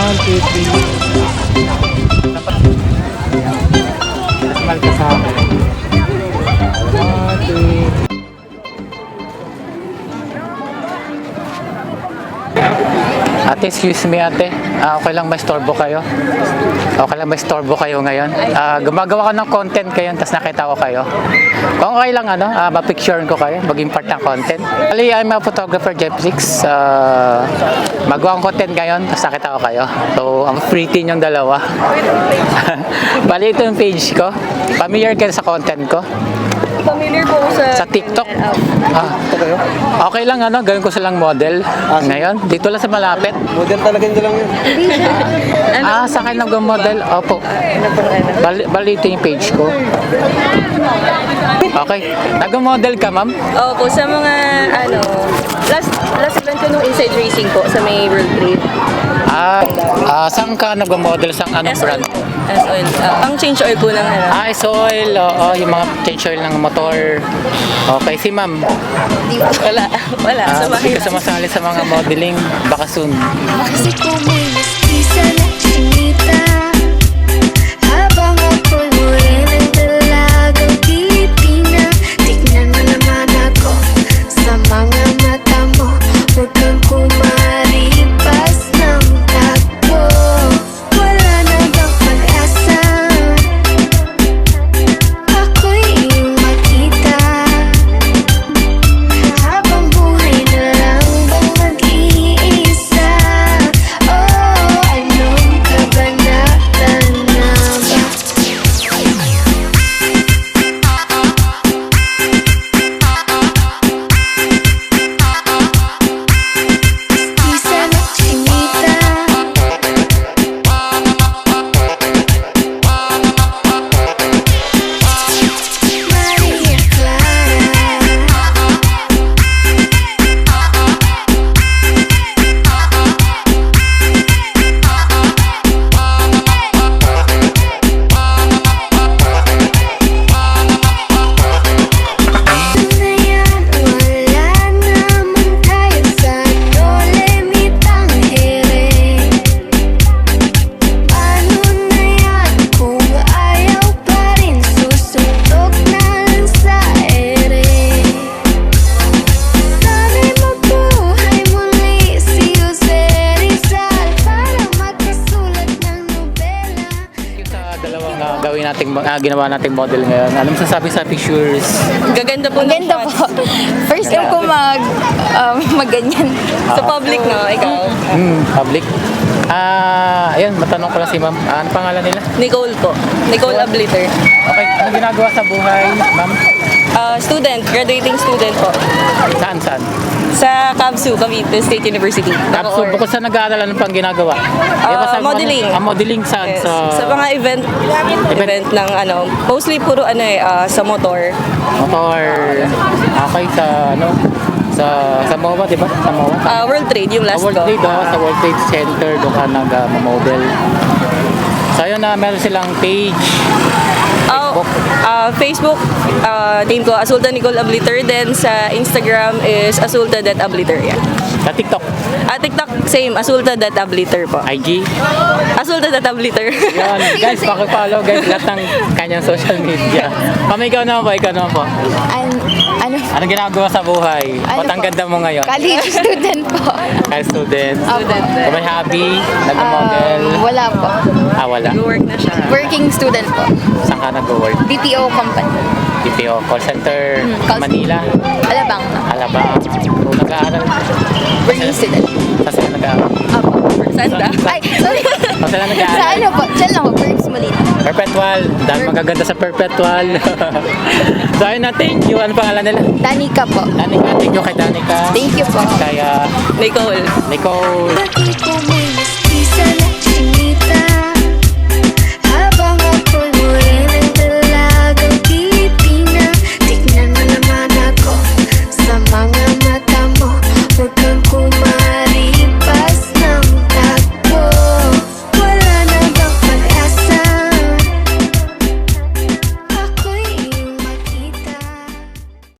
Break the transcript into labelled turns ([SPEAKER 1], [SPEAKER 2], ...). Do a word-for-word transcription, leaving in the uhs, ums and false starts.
[SPEAKER 1] One, two, three. Mal ka sa akin. One, two. Ate, excuse me ate. Ah, okay lang ba istorbo kayo? Okay lang ba istorbo kayo ngayon? Ah, gumagawa ka ng content kayo, tapos nakita ko kayo. Kung okay lang ano, ah, mapicturean ko kayo, maging part ng content. Ali, I'm a photographer, Jeffrix. Ah, magawa ng content ngayon, tapos nakita ko kayo. So, ang pretty niyong dalawa. Bali, ito yung page ko. Familiar kayo sa content ko?
[SPEAKER 2] Familiar po ako sa...
[SPEAKER 1] Sa TikTok? Ah, okay lang ano, gawin ko silang model. Ngayon, dito lang sa malapit.
[SPEAKER 3] Model talaga nyo lang yun.
[SPEAKER 1] Ah, sa akin nag-model? Opo. Bali, bali ito yung page ko. Okay. Nag-model ka, ma'am?
[SPEAKER 2] Opo, sa mga ano... Last last event ko nung Inside Racing po sa may World Trade.
[SPEAKER 1] Ah, ah saan ka nag-model? Sa anong brand?
[SPEAKER 2] S-Oil. Uh, pang change oil po ng ano.
[SPEAKER 1] Ah, is oil. Oo, yung mga change oil ng motor. Okay, si ma'am.
[SPEAKER 2] Wala. Wala.
[SPEAKER 1] Ah,
[SPEAKER 2] Sa
[SPEAKER 1] hindi
[SPEAKER 2] bahay.
[SPEAKER 1] ka sumasali sa mga modeling. Baka soon.
[SPEAKER 4] Kasi kumilos isa na chinita habang ako'y morenang dalagang Pilipina. Tignan mo naman ako sa mga mata mo. Huwag kang kumaripas ng takbo. Wala na bang pag-asa? Ako'y iyong makita habang buhay na lang bang mag-iisa. Oh, anong kabanatan na ba? Isa na chinita Maria Clara. Na yan, wala naman tayo sa dole-mitang ere. Paano na yan kung ayaw pa rin susuntok na lang sa ere? Sana'y mabuhay muli si Jose Rizal para magkasulat ng nobela.
[SPEAKER 1] Yung sa dalawang ah, gawin nating, ah, ginawa nating model ngayon. Anong sasabi sa pictures?
[SPEAKER 2] Gaganda po ng
[SPEAKER 5] Maganda
[SPEAKER 2] shots.
[SPEAKER 5] po. First time ko mag, um, magganyan.
[SPEAKER 2] Sa public, no? Ikaw.
[SPEAKER 1] Hmm, public. Ah, ayun, matanong ko lang si ma'am. Ah, ano pangalan nila?
[SPEAKER 2] Nicole po. Nicole Abliter.
[SPEAKER 1] Okay, ano ginagawa sa buhay, ma'am?
[SPEAKER 2] Uh, student. Graduating student po.
[SPEAKER 1] Saan, saan?
[SPEAKER 2] Sa Cavsu, Cavite State University.
[SPEAKER 1] Tapos,
[SPEAKER 2] Bacoor.
[SPEAKER 1] bukod sa nag-aaral, ano pang ginagawa? Di ba
[SPEAKER 2] Ah,
[SPEAKER 1] sabi mo,
[SPEAKER 2] modeling.
[SPEAKER 1] Ah, modeling saan?
[SPEAKER 2] Yes.
[SPEAKER 1] Sa,
[SPEAKER 2] Sa mga event, event ng ano, mostly puro ano eh, ah, sa motor.
[SPEAKER 1] motor. Okay, sa ano? Sa sa M O A, di ba? Sa M O A.
[SPEAKER 2] Ah, World Trade, yung
[SPEAKER 1] Sa
[SPEAKER 2] last
[SPEAKER 1] World
[SPEAKER 2] ko.
[SPEAKER 1] Trade, oh, sa World Trade Center, doon ka nag-model. So, ayun na, meron silang page.
[SPEAKER 2] Oh, ah, Facebook, ah, name ko, Asulta Nicole Abliter. Then sa Instagram is asulta.abliter. Yeah.
[SPEAKER 1] Sa TikTok,
[SPEAKER 2] At TikTok, same, asulta.abliter po.
[SPEAKER 1] I G.
[SPEAKER 2] Asulta.abliter.
[SPEAKER 1] Yun, guys, pakipollow guys lahat ng kanyang social media. Mami, ikaw naman po, ikaw naman po.
[SPEAKER 5] An, ano,
[SPEAKER 1] Anong ginagawa sa buhay?
[SPEAKER 5] Ano
[SPEAKER 1] Ba't ang
[SPEAKER 5] po?
[SPEAKER 1] ganda mo ngayon?
[SPEAKER 5] college student po.
[SPEAKER 1] Kaya student.
[SPEAKER 5] Student.
[SPEAKER 1] Kung may hobby, nag-model.
[SPEAKER 5] Um, wala po.
[SPEAKER 1] Ah, wala.
[SPEAKER 2] Work na siya.
[SPEAKER 5] Working student po.
[SPEAKER 1] Saan ka nag-work?
[SPEAKER 5] B P O company.
[SPEAKER 1] B P O call center,
[SPEAKER 5] Hmm, call-
[SPEAKER 1] Manila,
[SPEAKER 5] Alabang.
[SPEAKER 1] Alabang. Kung nag-aaral,
[SPEAKER 5] Working student.
[SPEAKER 1] saan sila nag-aaral?
[SPEAKER 5] Apo.
[SPEAKER 2] Sanda?
[SPEAKER 5] Ay, sorry.
[SPEAKER 1] Saan sila
[SPEAKER 5] Sa
[SPEAKER 1] nag-aaral?
[SPEAKER 5] ano po? Diyan lang po. Verbs Molina.
[SPEAKER 1] Perpetual. Dahil magaganda sa Perpetual. So ayun na, thank you. Ano pangalan nila?
[SPEAKER 5] Danica po.
[SPEAKER 1] Danica, thank you kay Danica.
[SPEAKER 5] Thank you po.
[SPEAKER 1] Kaya
[SPEAKER 2] Nicole.
[SPEAKER 1] Nicole.
[SPEAKER 4] Bakit kumilos